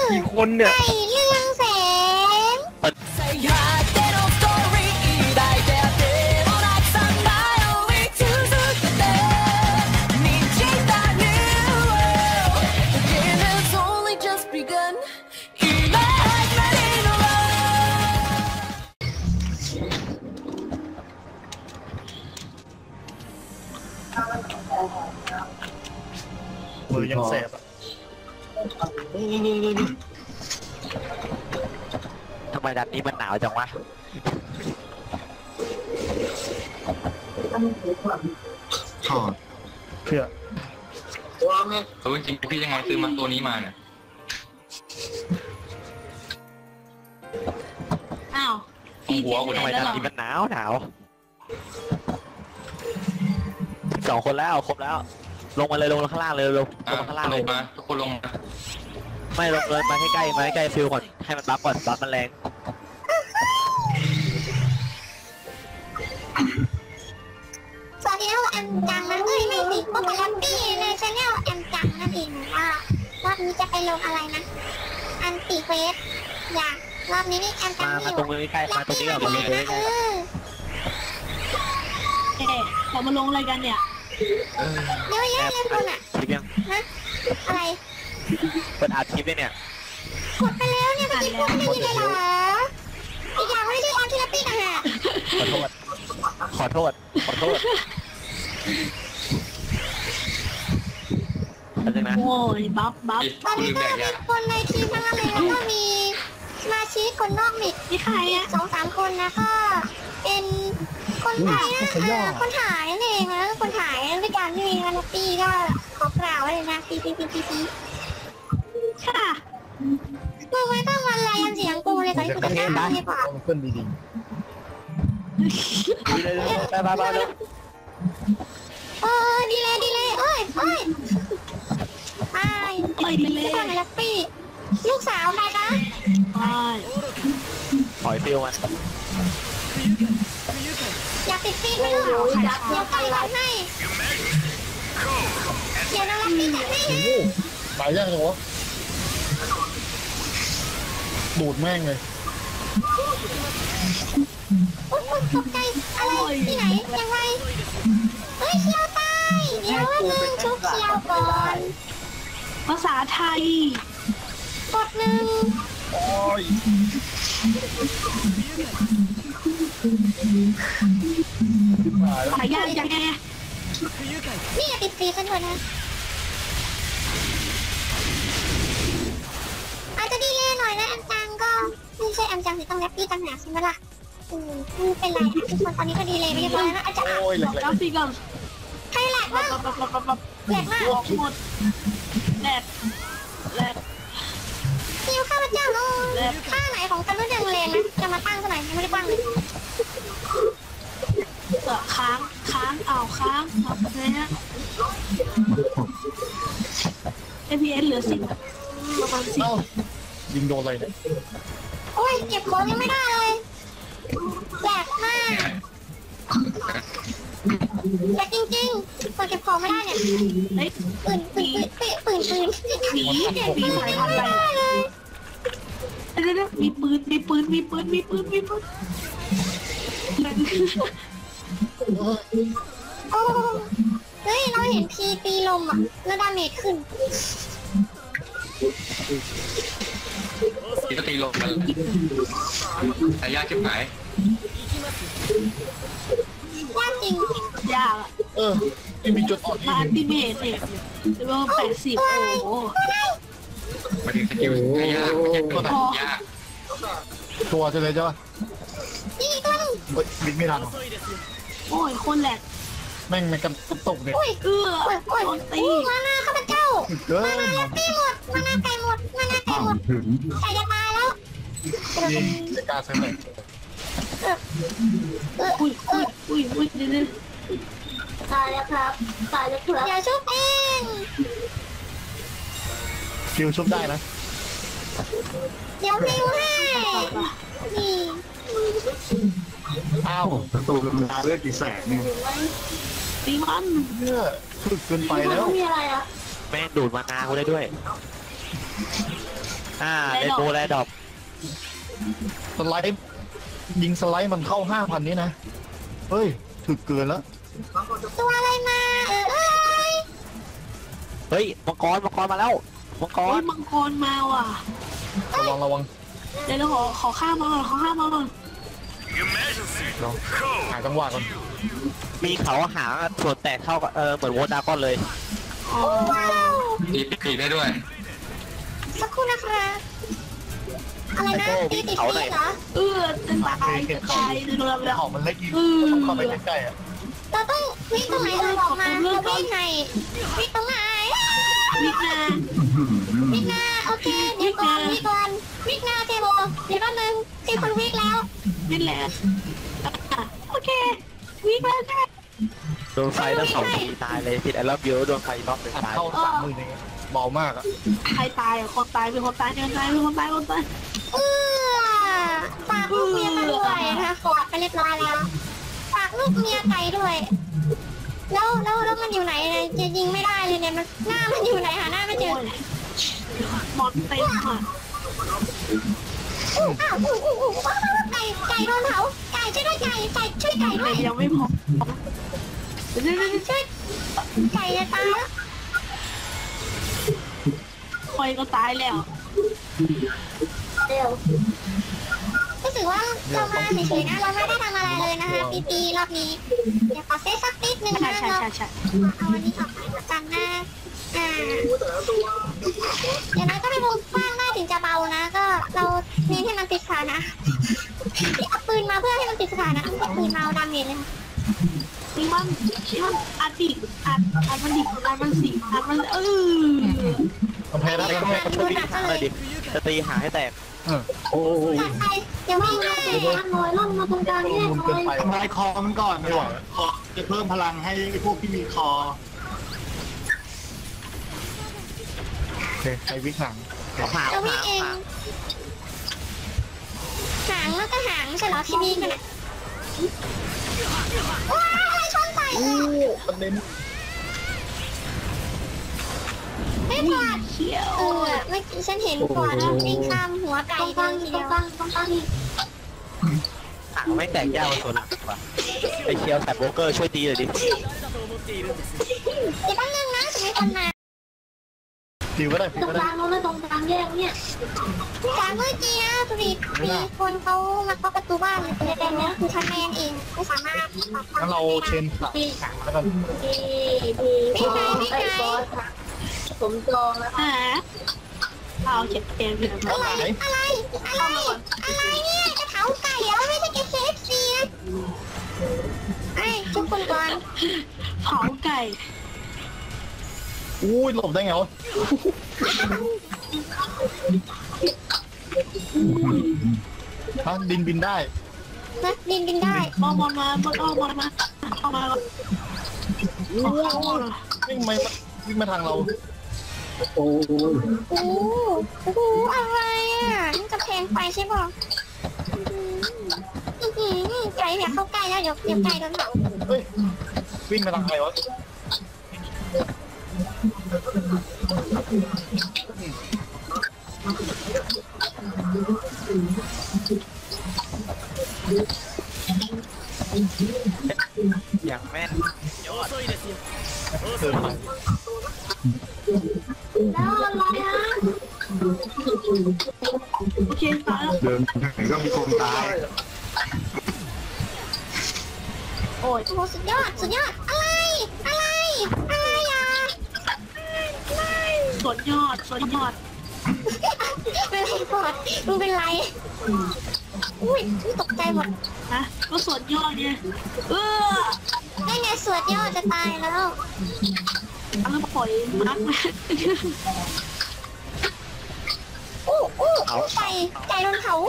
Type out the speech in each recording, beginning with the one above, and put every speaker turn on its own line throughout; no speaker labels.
กี่คนเนี่ย
ไก่เรืองแสง
มือยังแสบอ่ะ
ทำไมดันนี้มันหนาวจังวะ
ถอดเพื่อ
จริงพี่ยังไงซื้อมาตัวนี้มาเนี่ย
อ้าว
หัวกูทำไมดันนี้มันหนาว2 คนแล้วครบแล้วลงมาเลยลงข้างล่างเลยลงข้างล่างเลย
มาทุกคนลงมา
ไม่ลงเลยมาใกล้ๆฟิลก่อนให้มันบัฟก่อนบัฟมันแรง
สวัสดีครับแอมจังนะไม่สิพวกแฮปปี้ในชาแนลแอมจังนั่นเองว่ารอบนี้จะไปลงอะไรนะอันติเฟสอยากรอบนี้นี่แอมจัง
มาตรงนี้ใกล้มาตรงนี้ก่อนมาเลย
เรามาลงอะไรกันเนี่ย
เดี๋ยวแย่เลยคุณอ่ะนะอะไร
เปิดอาชีพด้วยเนี่ย
กดไปแล้วเนี่ยไปกินพวกไม่ได้เลยเหรออีกอย่างไม่ได้ออนทีละปีนะฮะ
ขอโทษ
โอ้ยบัฟ
ตอนนี้ก็มีคนในทีมทั้งนั้นเลยแล้วก็มีสมาชิกคนนอกมิด
ที่ใครอ่ะ
2-3 คนนะก็เป็นคนถ่ายคนถ่ายนั่นเองแล้วคนถ่ายด้วยกันที่มีวันปีก็ขอกล่าวไว้เลยนะปี
ค่ะ
มึงไม่ต้องวันอะไรยันเสียงกูเลยตอนที่กูจะทำให้ป่ะ
เพื่อนดี
ไปเลย
ดีเลยโอ้ยไป
ดีเลย
ฟังแฮปปี้ลูกสาวใครคะ
ถอยฟิลมัน
อยากติดฟีดไหมลูกเดี๋ยวไปทำให้เดี๋ยวน้องแฮปปี้จัดให้
ตายยากจังวะดูดแม่งเลย
ตกใจอะไรที่ไหนยังไงเฮ้ยเชียวตายเดี๋ยวมึงชุบเชียวก่อน
ภาษาไทย
กด1
โอ้ย
หายากยังไง
นี่ติดฟีกันด้วยนะอาจจะดีเลยหน่อยนะแอมจังก็ไม่ใช่แอมจังที่ต้องแรปปี้ต่างหากใช่ไหมล่ะไม่เป็นไรทุกคนตอนนี้ก็ดีเลยไม่พอแล้วนะอาจารย์
แล้วสิก่อน
ใครแหลกบ้างแหลกมาก
หมดแหลก
คิวข้าพเจ้าท่าไหนของกันรุ่นยังเลนนะจะมาตั้งเท่าไหร่ไม่ได้ตั้งเลย
ค้างนะฮะ FPS เหลือ10ประมาณ10
ยิงโดนอะไรเนี่ย
โอ้ยเก็บของยังไม่ได้เลยแหลกมากแต่จริงๆพอเก็บของไม่ได้เนี่ยปืนผีใส่
อะไรมีปืน
โอ้เฮ้ยเราเห็นพีตีลมอ่ะแล้วดาเมจขึ้น
ตีลมกันแต่ยากชิบหาย
ยากจริง
ยาก
ที่มีจุดอ่อน
อัลติเมทเนี่ยรวม80โอ้โห
มาถึงสกิลยาก
ตัวจะเลยจ้ะ
นี่ตัวนึง
บินไม่ทัน
โอ้ยคนแหลก
แม่งกันตกเนี่ย
ตี
มาหน้าข้าพเจ้ามาหน้าแฮปปี้หมดมาหน้าไก่หมดไก่จะตายแล้ว
ยิงจะกล้าเซฟเลย
อุ้ย
ตายแล้วครับอย่าชุบเอง
คิวชุบได้นะ
เดี๋ยวคิวให้นี่
อ้าวตูกำลังเลือดกี่แสนเนี่ย
ตีมัน
เนี่ยฝึกเกินไปแล้ว
มีอะไรอ่ะ
แม่งดูดมานากูได้ด้วยเรนโบว์แรดดอป
สไลด์ยิงสไลด์มันเข้า5,000นี่นะเฮ้ยถึกเกินแล้ว
ตัวอะไรมาเอ้ย
เฮ้ยมังกรมาแล้วมังก
โอ้
ร
ยมังกรมาว่ะ
ระวัง
เดี๋ยวเราขอข้ามมาก่อนขอข้ามมาก่อน
ลองหาจังหวะก่อน
มีเขาหางส่วนแตกเท่ากับเหมือนโวดาก้อนเลย
อ๋อ
ว้าว
ตีได้ด้วย
สักครู่นะครับอะไรนะตีติดฟีเหรอ
จะตายเรือแล้ว
หอมมันเล็กยิงต้องเข้าไปใกล้ๆอ่ะ
เราต้องวิ่งตรงไหนเราออกมาเราวิ่งไงวิ่งตรงไหน
วิกนา
วิ่งหน้าโอเคเดี๋ยวก่อนวิ่งหน้าเทโบเดี๋ยวแป๊บนึงตีคนวิ่งแล้ว
นี่แหละโอเควิกแล้วใช่ไหม
โดนไฟแล้ว2 ทีตายเลยติดไอ้รอบเยอะโดนไฟรอบหนึ่ง
อัด
ตาย
เข้า30,000นี่เบามากอ่ะ
ใครตายอ่ะคนตายเป็นคนตายคนตาย
เออฝากลูกเมียมาด้วยนะคะกอดไปเรียบร้อยแล้วฝากลูกเมียไก่ด้วย แล้วมันอยู่ไหนเนี่ยจะยิงไม่ได้เลยเนี่ยมันหน้ามันอยู่ไหนหาหน้าไม่เจอ
หมดเต็มอ่ะ
อ้าวไก่โดนเผาไก่ช่วยด้วยไก่ช่วยไก่ด้วย
ยังไม่พอเดี๋ยว
ช่วยไก่จะตายแล้ว
คอยก็ตายแล้ว
เร็วรู้สึกว่าเรามาเฉยๆนะเราไม่ได้ทำอะไรเลยนะคะปีรอบนี้เดี๋ยวขอเซตสักนิดนึงนะเราเอาอันนี้ออกไปกันนะอย่างนั้นก็เป็นวงกว้างได้ถึงจะเบานะ ก็เราเน้นให้มันติดขานะเอาปืนมาเพื่อให้มันติดขานะเอาปืนมาเอาดาเมจเลย
นี่มันอัดดิอัดมันดิอัดมันสิอัดมัน
กำแพงได้กำแพง
ช่วยวิ่งหางเลยดิจะตีหางให้แตก
โอ้ย
ตัดไปเดี๋ยววิ่งให้ลอยล่องมาตรงกลางแยก
ลุมเกินไป
ทำลายคอมันก่อนไม่ไหวคอจะเพิ่มพลังให้พวกที่มีคอ
โอเคใครวิ่งหาง
หาง
จะวิ่งเองหางแล้วก็หางใช่เหรอที่วิ่งกันอ่ะว้าวอะไรชนใส่
ประเด็น
ไม่พอด
เขียว
เมื่อกี้ฉันเห็นก่อนวิ่งข้ามหัวไก่เดินทีเดียว
หางไม่แตกยากกว่าตัวหลังว่ะไอเคียวแต่โบรกเกอร์ช่วยตีเลยดิ
เดี๋ยวแป๊บนึงนะจะมีคนมา
ผิวก็ได้ผิวก็ได้
จากเมื่อกี้นะพอดีมีคนเขามาเคาะประตูบ้านเลยแต่เนี่ยคือฉันแมนเองไม่สามารถ
งั้นเราเชนขาแล้วกัน
วิ่งไงวิ่งไง
เอาเจ็บเต็มเลย
อะไรเนี่ยจะเผาไก่แล้วไม่ใช่แค่ KFC นะไอ้ทุกคนก่อน
เผาไก่
อุ้ยหลบได้ไงวะฮะดินบินได้
นะบินได้
มาเอามา
วิ่งมาทางเรา
โอ้โหอะไรอ่ะนี่จะแพงไปใช่ป่ะไก่เนี่ยเข้าใกล้แล้วเดี๋ยวไก่โดนเผา
เฮ้ยวิ่งมาทางใครวะ
อย่างแม่น
เดินไป
โอเคตายแล้ว
เดินถึงก็มีคนตาย
โอ้ย
โอ้สุดยอดอะไรอ่ะ
สวนยอด
เป็นไรก่อนมึงเป็นไรอุ้ยตกใจหมด
นะก็สวนยอดไง
ได้ไงสวดยอดจะตายแล้ว
แล้วปล่อยมัก
ไก่โดนเผา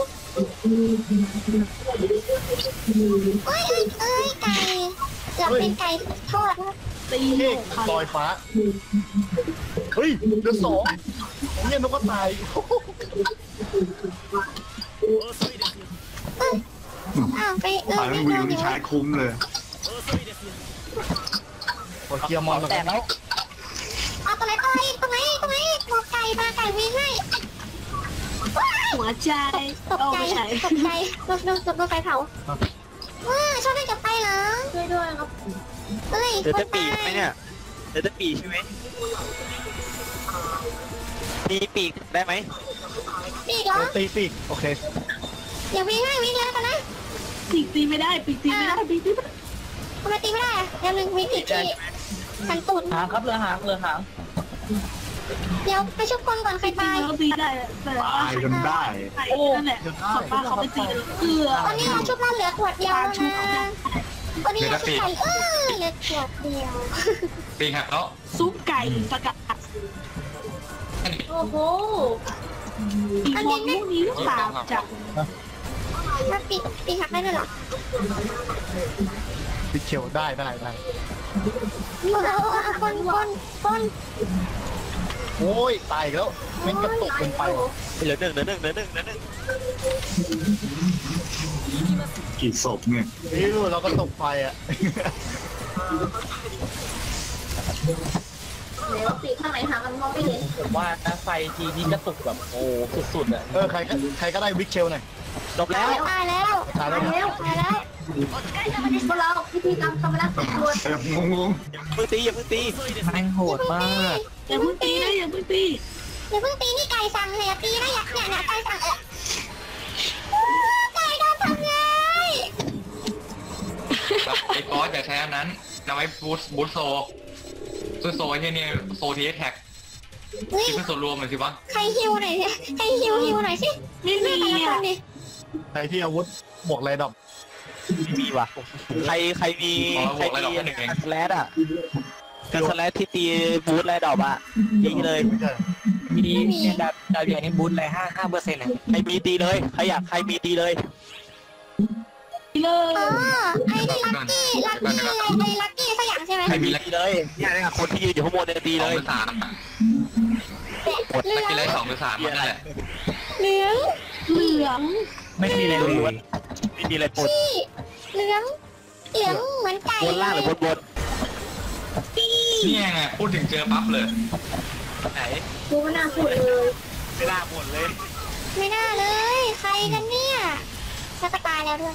เอ้ยไก่เกือบเป็นไก่ทอดนะ
ตี
เฮ้ยลอยฟ้าเฮ้ยเดือด2เนี่ยนกก็ตาย
อ้าวไป
ตาย
ไม่
วิ
โด
วน
อยู่
ชายคุ้มเลย
กดเกียร์มอน
แตกแล้ว
เอาตรงไหนบอกไก่มาไก่วิ่งให้
หัวใจ
ตก
เอา
ใจ
ไม่ใช่
ตกใจโดนไฟเผาว้าชอบเล่นกับไฟเหรอ
ช่วยด้วยครับ
เฮ้ย
เดี๋ยว
คน
จะปีก
ตาย
ไหมเนี่ยเดี๋ยวจะปีกใช่ไหมมีปีกได้ไหม
ปีกเหรอ
ตีปีกโอเค
เดี๋ยววิ่งให้วิ่งแล้วกันนะ
ปีกตีไม่ได้ปีกตีไม่ได้ปีกตีไม่ได้
ทำไมตีไม่ได้อะเดี๋ยวหนึ่งมีปีกที่พันตุน
หางครับเรือหางเรือหาง
เดี๋ยวไปชุบคนก่อนใคร
ปีก
ตาย
เราตีได้แต่ว่า
ตายจนได้
ใครนั่นแหละขอบป้าเขาไปตีเลย
ตอนนี้เราชุบเราเหลือขวดเดียวแล้วนะตอนนี้เราชุบไก่เหลือขวดเดียว
ปีกหักแล้ว
ซุปไก่สกัดโอ้โหอีกคนพวกนี้หรือเปล่าจาก
ถ้าปีหักได้ด้วยเหรอ
ปิดเขียวได้
คน
โอ้ยตายอีกแล้วแม่งกระตุกเป็นไปว่ะ
เหลือหนึ่ง
กี่ศพเนี่ย
นี่เราก็ตกไฟอ่ะ
แล้วปีกข้างไหนหากันมองไม่เห็น
ผมว่านะไฟทีนี้กระตุกแบบโอ้สุดๆอ่ะ
ใครก็ได้วิกเชลหน่อย
จบแล้ว
ตายแล้วพวกเราพิธีกรรมกำลังตรวจ
งง
อย่าเพิ่งตี
แม่งโหดมาก
อย่าเพิ่งตีนะอย่าเพิ่งตี
อย่าเพิ่งตีนี่ไก่สั่งเลยตีนะเนี่ยไก่สั่งไก่โดนทำไง
ไอ้ก๊อตอย่าใช้อันนั้นนำไว้บูทโซโซที่นี่โซทีแท็ก
เฮ้ย
ที่เป็นส่วนรวมเลยสิวะ
ใครฮิวหน่อยสิใครฮิวหน่อยสิ
ไม่มี
แต่ละค
อ่ะ
นดิ
ใครที่อาวุธบวกไรดอก
ไม่มีว่ะใครมีสแลดอ่ะกันสแลดที่ตีบูทแลดดอกอ่ะยิงเลย
ไม่ใช่
มีเนี่ยดาวใหญ่นี่บูทเลย5%นะ
ใครมีตีเลยใครมีตีเลย
เลย
อ๋อไอ้นี่ลักกี้สักอย่างใช่ไหม
ใครมีลัก
ตีเลยเนี่ยคนที่ยืนอยู่ข้างบนเนี่ยตี
ส
เล
อง
ย
หรือสาม
เหลื
ลัก
อง
กี้ไลท์2 หรือ 3นั่นแหละ
เหลือง
ไม่มีอะไรเลย
ไม่มีอะไรปน
ที่เหลืองเหมือนไก่
บนล่างหรือบน
นี่ไงพูดถึงเจอปั๊บเลย
ไหน
ดูมันน่าพูดเลย
ไม่น่าบนเลย
ไม่น่าเลยใครกันเนี่ยจะตายแล้วด้วย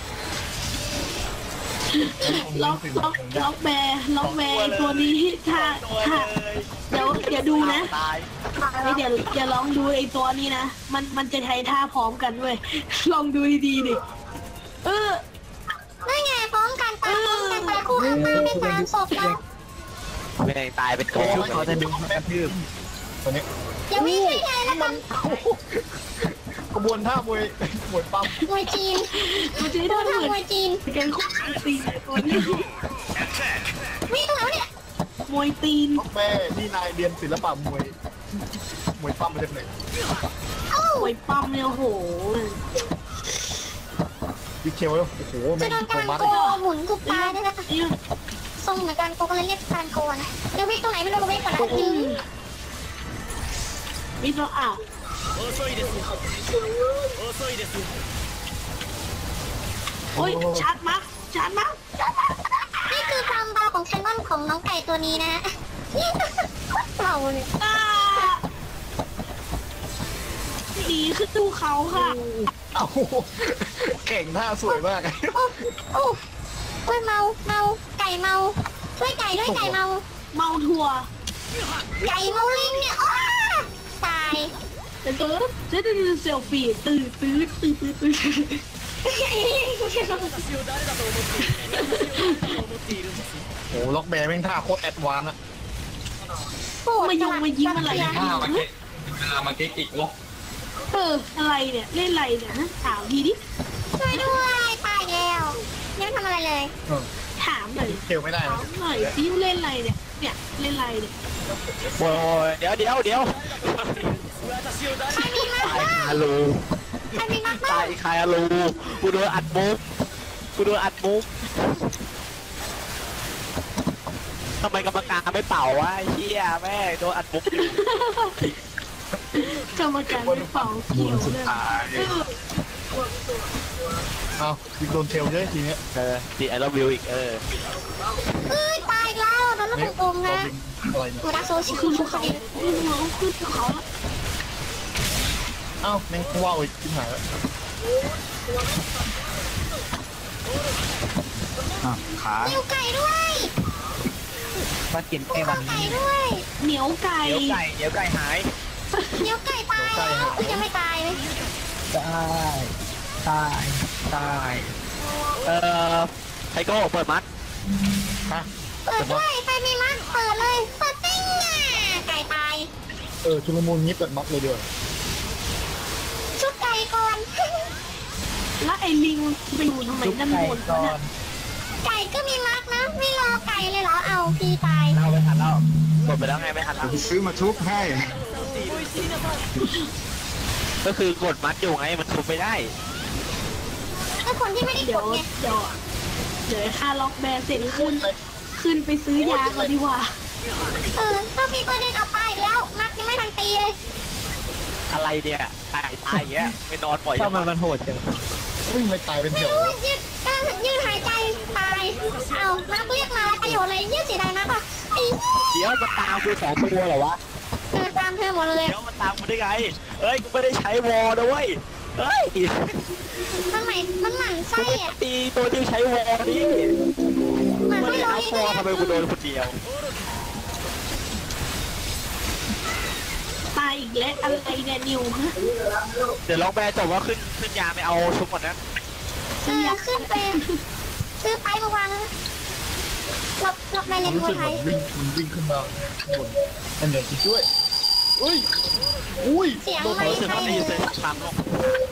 ล็อกแบร์ตัวนี้ถ้าเดี๋ยวดูนะ
ตาย
เดี๋ยวลองดูไอ้ตัวนี้นะมันจะใช้ท่าพร้อมกันด้วยลองดูดีๆดิเออ
นั่นไงพร้อมกันตายคู่ข้างๆเป็นตามศพแล้ว
ไม่ได้ตายเป็นโก
เขาจะดึงกระทืบตัวนี้
อย่าวิ่งใหญ่แล้วกัน
กระบวนท่ามวยปั๊ม
มวยจีน
มันจะได้
ดู
ท่าเห
ทาง
มือน
มวยจีน
กันคู่ตีตัวนี้
วิ่งแล้วเนี่ย
มวยตีน
แม่นี่นายเรียนศิลปะมวยปั๊มมาจากไหน
มวยปั๊มเนี่ยโอ้โห
วิกเชลแล้วโอ้โห
จะ
แม่ง
โดน
โค
การ
มัส
โกหมุนทุกตาด้วยนะคะทรงเหมือนการโกก็เลยเรียกการโกนะเดี๋ยววิ่งตรงไหนไม่รู้วิ่งก่อนนะ
มีตัวอ่าวโอ้ยชาร์จมั้ง
นี่คือความเบาของแคนนอนของน้องไก่ตัวนี้นะเบาเลย
ดีขึ้นดูเขาค่ะ
เอ้าเก่งท่าสวยมาก
โอ้ยเมาไก่เมาช่วยไก่ด้วยไก่เมา
เมาทัวร์
ไก่เมาลิงเนี่ยตาย
แต่ตัวจะเซลฟี่ตื่น
โอ้ล็อกแบร์แม่งท่าโคตรแอดวานซ์อะ
มายิงอะไร
ถ้ามาเก๊กเวลามาเก๊กอีกโอ้
อะไรเนี่ยเล่นอะไรเนี่ยถามทีดิ
ช่วยด้วยตายแล้วยังไม่ทำอะไรเลย
ถามหน่อย
เชลไม่ได้
ถามหน่อยซิเล่นอะไรเนี่ยเล่นอะไรเนี่ย
โอ้ยเดี๋ยว
ใครมีมาก
ตายคารู
ใครมีมาก
ตายคารูกูโดนอัดมุกทำไมกรรมการไม่เป่าวะไอ้เหี้ยแม่โดนอัดมุกอยู่
กรรมการไม่เป่าเกี่ยวเลย
เอาอีกโดนเชลเยอะทีเนี้ย
ดีไอรอนวิวอีก
ตายแล้วโดนลูกอมนะ
อะไรเนี่ย
กูรักโซชิ
ขึ้น
คุ
เขา
เขา
ขึ้นเขาแล้ว
เอ้าแม่งว่าวอีกขึ้นหายแล้ว
ขา
นิ้วไก่ด้วย
มากิน
ภู
ไอ้วั
เขา
น
ไก่
นี้
ด้วย
เหนียวไก่
เดี๋ยวไก่หาย
นิ้วไก่ตายแล้วอุ๊ยยังไม่ตายเลย
ตาย
ไทโก้เปิดมัด
ฮะ
เปิดด้วยไฟมีมัดเปิดเลยเปิดติ้งอ่ะไก่ตาย
ชุลมุนงี้เปิดม็อกเลยเดียว
ชุบไก่ก่อน
แล้วไอ้ลิงไปอยู่ทำไมด้านบน
ก่อ
น่ะ
น
ไก่ก็มีมัดนะไม่รอไก่เลยเหรอเอาพี่ตาย
เราไปทันแล้วกดไปแล้วไงไม่ทันแล้ว
ซื้อมาชุบให้
ก็คือกดมัดอยู่ไงมันทุบไม่ได้
ถ้าคนที่ไม่ได้
เดี๋
ก
ยว
ดไง
เดี๋ยวค่าล็อกแบร์เสร็จขึ้นไปซื้อยาก่อนดีกว่า
ถ้าพี่ก็เดินเอาไปแล้วมัดยังไม่ทันตีเลย
อะไรเนี่ยตายอย่างเงี้ยไม่นอนปล่อย
ถ้ามันโหดจัง
วิ่งไปตายเป็นแถว
ยืดหายใจตายเอานักเรียกมาประโยชน์อะไรยืดเสียดายนะป่ะไอ้
เดี๋ยวมันตามกู2 ตัวเหรอวะ
ตามเธอหมดเลย
เดี๋ยวมันตามกูได้ไงเอ้ยกูไม่ได้ใช้วอลนะเว้ยเฮ้ย
มันหมั่น
กู
ไส้
ไม่
อ่ะ
ตีตัวที่ใช้วอลนี่
เหมือน
ไม่
ไม่
ได้
ร้อย
เอาวอลทำไมกูโดนคนเดียว
ตายอีกแล้วอะไรเนี่ยนิวฮะ
เดี๋ยวลองแบร์จบว่าขึ้นยาไม่เอาชุบก่อนนะ
ขึ้นไปซื้อไปมาวางหลบในเลน
รู้
มว
สึ
ย
ก
ไท
เหมื
ย
อนมันวิ่งขึ้นมาข้างบนอันเดียวจริงด้วยอุ้ย
เสียง
โดน
ไม่
รู้สึก
ใช่
ว่าได้ยินเสียงช้ำลง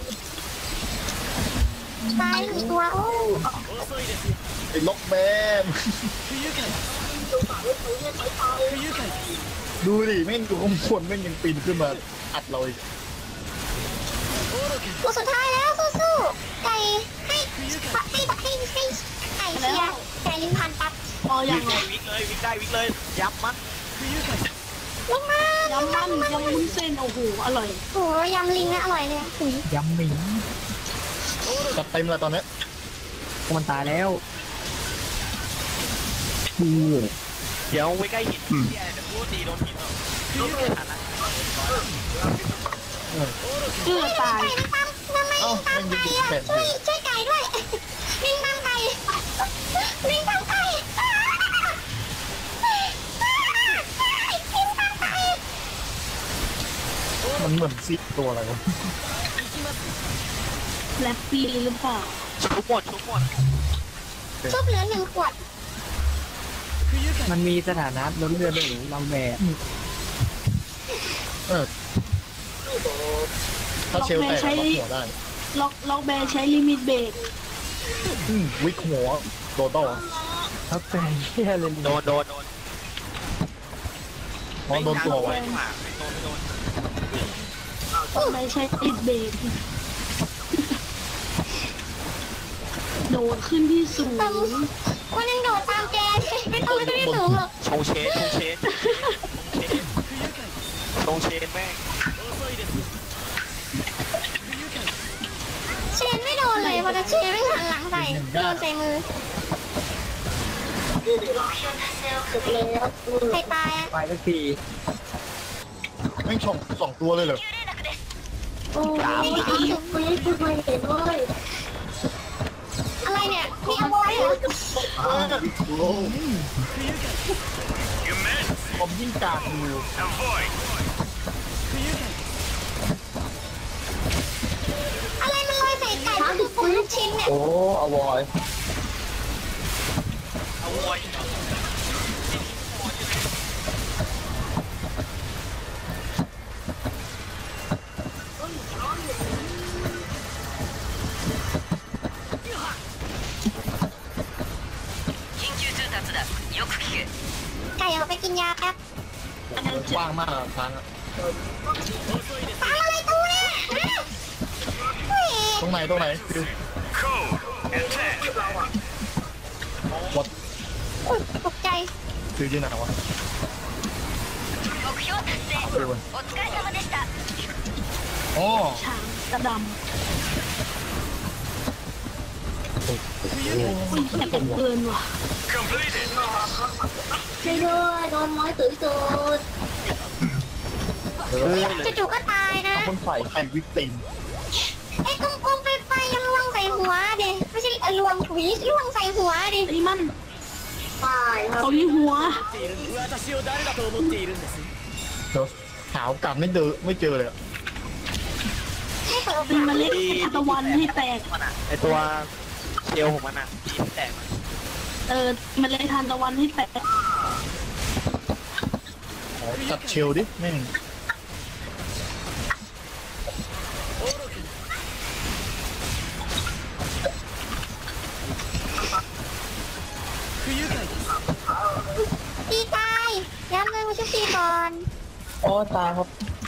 ตายหนึ่งตัวโอ้
ไอ้ล็อกแมนดูดิแม่งอยู่ข้างบนแม่งยังปีนขึ้นมาอัดเราอีก
ตัวสุดท้ายแล้วสู้ๆไก่ให้ไก่เชียร์ไก่ลิงพันปั๊บ
พอยังไง
วิ่งเลยยับมัน
ลงมาย
ำมันยำวุ้นเส้นโอ้โหอร่อย
โอ้ยำลิงนะอร่อยเลยหุย
ยำหมิง
จัดเต็มเลยตอนนี้
มันตายแล้ว
เดี๋ยวไว้ใกล้หินที่อะไรจะพูดตีโดนหินหรอไม่ทันละ
ตาย
ไก่ตามทำไมตามไก่อ่ะช่วยไก่ด้วยลิงตามไก่ลิงตามไก่ลิงตามไก่
มันเหมือนซิปตัวอะไรวะ
แลปปี้หรือเปล่า
ชุบหมด
ชุบเหลือ1 ขวด
มันมีสถานะล้นเรือหรือเราแบก
ถ้าเชลแตกล็อกหัวได้
ล็อกแบร์ใช้ลิมิตเบรก
วิกหัวโดนต่อ
เขาแปลงเที่ยเลย
โดน
มองโดนตัวไว้
ไม่โดน
ไม่ใช้ลิมิตเบรกโดดขึ้นที่สูง
คนยังโดดตามแกไม่ต้องไม่ได้สูงหรอก
ชงเชนแม่ง
เชนไม่โดนเลยเพราะเชนไม่หันหลังใส่โดนใส่มือใครตายอ่ะ
ไปสักที
แม่งช่อง2 ตัวเลยเหรอ
โอ้ยอะไรเนี่ยมีเอาไว้เหรอ
ผมยิ่งกากอยู่
อะไรมันลอยใส่ไก่มันคือปูลูกชิ้นเนี่ย
โอ้อวอย
เอาไว้
ไก่เอาไปกินยาแป๊บ
อันนั้น
ว่างมากอะทางอะ
ตามอะไรตู้เนี่ยเฮ้ย
ตรงไหนคือวัด
อุ๊ยตกใจ
คือที่ไหนวะอ๋อ
ช้างกระดำอุ้ยแอบเกินว่ะ
ช่วยด้วยโดนม้อยตุ๋ยตูดจู่ๆก็ตายนะ
พ่นไฟใครวิกติม
ไอ้กลมๆไฟยังล่วงใส่หัวเด็ไม่ใช่ล่วงถุยล่วงใส่หัวดิ
ไอ้มันเอาที่หัว
เดี๋ยวหาวกลับไม่เจอเลยอะ
ไม่เปิด
เป็นเมล็ดทานตะวันให้แตก
มันอะไอตัวเชลของมันอะที่แตก
เมล็ดทานตะวันให้แตก
ขอจัดเชลดิแม่ง
ตีตายย้ำเลยว่าจะตีก่อน
โอ้ตายครับ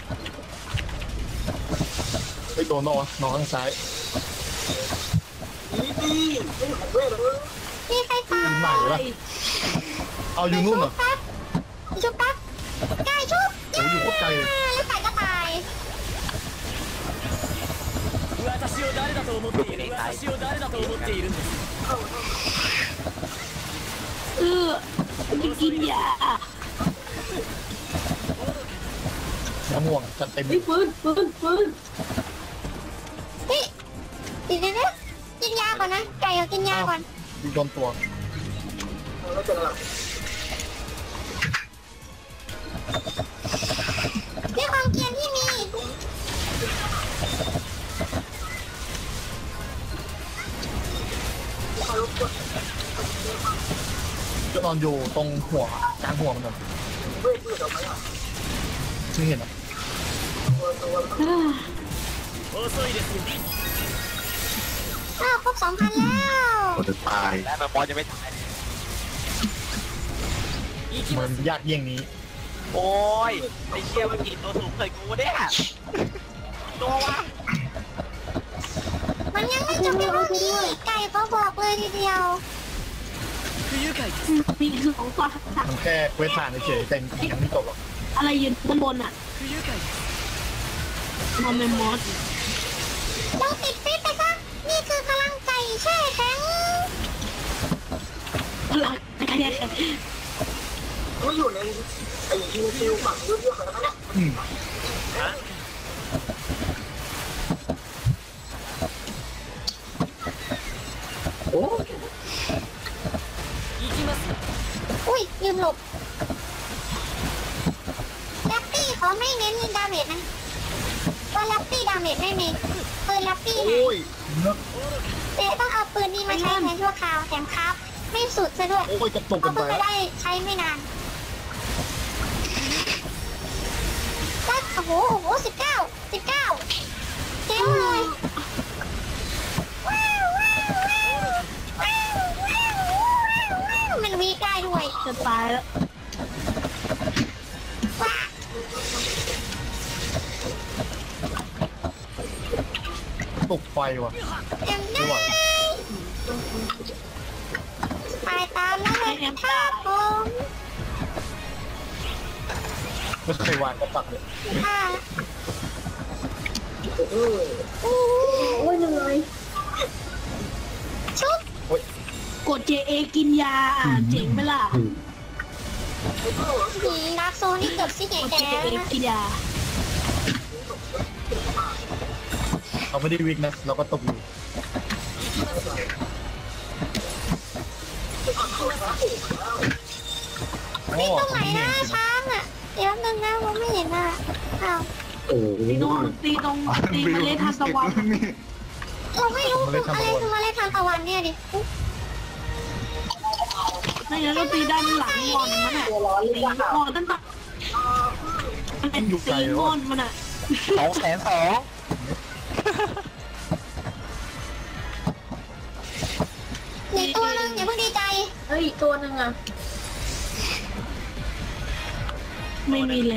ไปโดนนอนข้างซ้าย
ตีใครตาย
ใหม่ปะเอาอยู่นู่นเหรอ
ชุบปั๊บไก่ชุบ
โอ้ยอยู่โคตรไกลเลย
แล้วไก่ก็ตาย
จะกินยา
น้ำห่วงจัดเต็ม
ไอ้ปืน
นี่ตีเดี๋ยวกินยาก่อนนะไก่ก็กินยาก่อน
ดีโดนตัว
ด้วยความเกรียนที่มี
จะนอนอยู่ตรงหัวกลางหัวมันเลยไม่เห็นอ่ะ
อ้าวครบ 2,000 แล้ว
จะตาย
และมันบอลจะไม่ตาย
มันยากเยี่ยงนี้
โอ้ยไอเชี่ยมันกินตัวสูงเกินกูเนี่ยตัววะ
มันยังไม่จบเพียงเท่านี้ไก่ก็บอกเลยทีเดียว
มีคือของตัว
มันแค่เวทผ่านเฉยๆแต่ยังไม่จบหรอก
อะไรยืนบนอ่ะมอมเมมอส
ลองติดฟิตไปซะนี่คือพลังไก่แช่แข็ง
พลังแค่
อืมโอ้
อุ้ยลืมหลบแรปปี้เขาไม่เน้นดาเมจนะว่าแรปปี้ดาเมจไม่มีปืนแรปปี้นะ
โอ้ยเนอะ
เจ๊ต้องเอาปืนนี้มาใช้แทนชั่วคราวแถมครับไม่สุดซะด้วย
โอ้ยจะตก
เพ
กั
ราะ
น
เพิ่
ไป
งไปได้ใช้ไม่นานก็โอ้โห19เจ๊งเลยว้าวมันวีได้ด้วย
จะตายแล้ว
ว้า
ตกไฟว่ะ
เอ็มได้ไปตามแล้วเลยครับผม
ไม่เคยวางกระปักเลย
ค่ะชุบ
กด JA กินยาเจ๋งไหมล่ะ
ดาร์กโซนี่เกือบสิแก่
กด
แก่
JA
นะ
กินยา
เราไม่ได้วิกนะ เราก็ตกอยู่ โอ้
ตรงไหนนะช้างอ่ะ เดี๋ยวนึงนะผมไม่เห็นอ่ะอ้าว
ตีตรงตีเมล็ดทานตะวัน
เราไม่รู้คืออะไรคือเมล็ดทานตะวันเนี่ยดิ
ไม่งั้นก็ตีด้านหลังงอนมันอ่ะตีงอนตั้งแต่มันเป็นตีงอนมันอ่ะ
200,002
อีกตัวนึงอย่าเพิ่งดีใจ
ไม่มีแล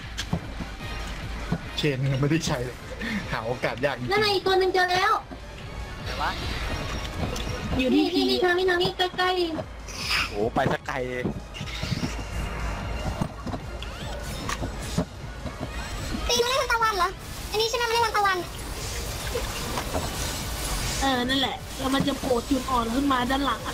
เชนยังไม่ได้ใช้เลย หาโอกาสยากจริง
นั่นไงอีกตัวนึงเจอแล้ว
ไหนวะ
อยู่ที่พี่
ทางนี้ใกล้
โอ้ไปสักไกล
ๆตีเมล็ดทานตะวันเหรอ อันนี้ใช่ไหมเมล็ดทานตะวัน
นั่นแหละแล้วมันจะโผล่จุดอ่อนขึ้นมาด้านหลัง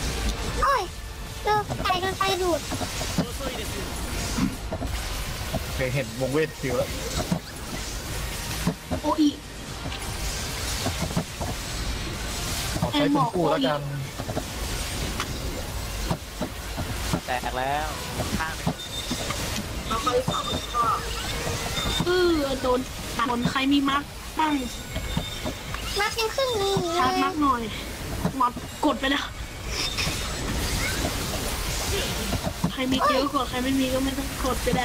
โอ้ยเจอไก่โดนไฟดูด
เคยเห็นวงเวทฟิวแล้ว
โออี
ขอใช้เป็นคู่แล้วกัน
แตกแล้วข้างหนึ่ง
โดนใครมีมาร์กบ้าง
มายังขึ้นนี่เล
ชาร์จ
ย
มาร์กหน่อยมัดกดไปแล้วใครมีเยอะกว่าใครไม่มีก็ไม่ต้องกดก็ได้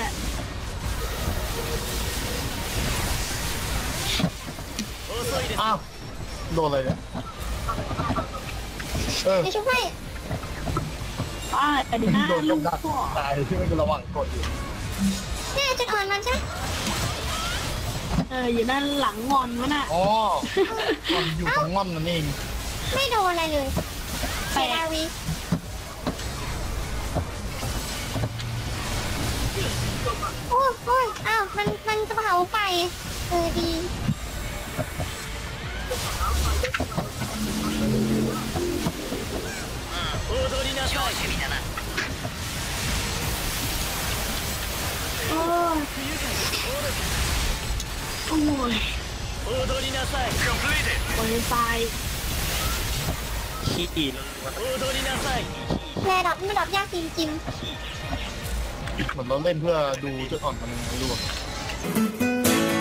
อ้าวโดนอะไรเนี่ยเออ
จะช่วย
ป้าแต่เดี๋ยวนะ
โดน
ลู
กำ
ก
ดัก
พ่อ
ตายที่มันระหว่างกดอยู่
เนี่ยจุดอ่อนมันใช่ไหม
อยู่ด้านหลังงอนวะน่ะ
อ๋อมันอยู่ตรงง่อมนั่นเอง
ไม่โดนอะไรเลย
แต
เซ
ก
ราวีโอ้ยอ้าวมันจะเผาไฟดี
โอ้ยโอ้ยโอ้ยตาย
ขี้เลย
แรดอทไม่ดอทยากจริง
เหมือนเราเล่นเพื่อดูจุดอ่อนมันไม่รู้อะ